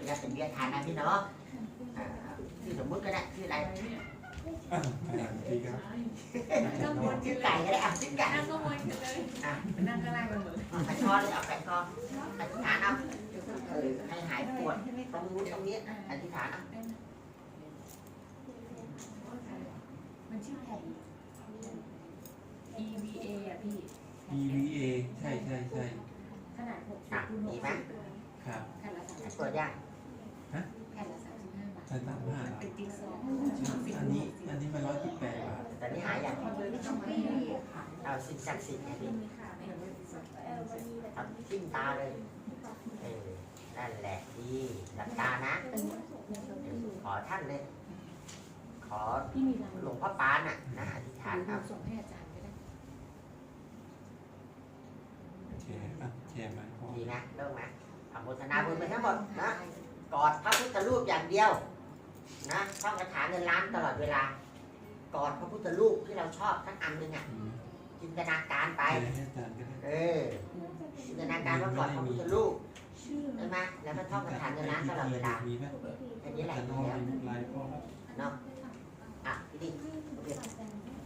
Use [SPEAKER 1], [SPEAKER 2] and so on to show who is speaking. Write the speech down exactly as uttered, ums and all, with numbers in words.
[SPEAKER 1] ญาตเป็นวิทยาทานนะพี่เนาะชื่อสมมุติก็ได้ชื่ออะไรชื่อไก่ก็ได้อ่ะชื่อไก่นั่งก็วนกันเลยอ่ะนั่งก็ไล่กันเหมือนขันคอเลยเอาขันคออธิษฐานเอาเออให้หายปวดตรงนู้นตรงนี้อธิษฐานเอา
[SPEAKER 2] มันชื่อแผ่น อี วี เอ อ่ะพี่
[SPEAKER 3] อี วี เอ ใช่ใช่ใช่
[SPEAKER 2] ขนาดหกสิบคูณหกสิบ
[SPEAKER 3] ครับ
[SPEAKER 2] แผ่นละสามสิบ
[SPEAKER 1] ปวดยัง
[SPEAKER 3] ฮะ
[SPEAKER 2] แผ่นละสามสิบห้าบาท
[SPEAKER 3] ใช่สามห้า
[SPEAKER 2] เป็นติ๊กซอว์
[SPEAKER 3] อันนี้อันนี้มันร้อยสิบแปดบาท
[SPEAKER 1] แต่นี่หายอย่างเอาสิ่งศักดิ์สิทธิ์ไงพี่ทำทิ้งตาเลยเออนั่นแหละดีหลับตานะขอท่านเลยขอหลวงพ่อปานน่ะนะอธิษฐานเอา
[SPEAKER 2] ส่งให้อาจารย์ก็ได้
[SPEAKER 3] แชร์อ่ะแชร์มาพอ
[SPEAKER 1] ดีนะเริ่มไหมอนุโมทนาบุญไปทั้งหมดนะกอดพระพุทธรูปอย่างเดียวนะท่องคาถาเงินล้านตลอดเวลากอดพระพุทธรูปที่เราชอบทั้งอันหนึ่งอ่ะจินตนาการไปเออจินตนาการว่ากอดพระพุทธรูปใช่ไหมแล้วก็ท่องคาถาเงินล้านตลอดเวลาอันนี้แหละดีแล้วเนาะอ่ะพี่ดิ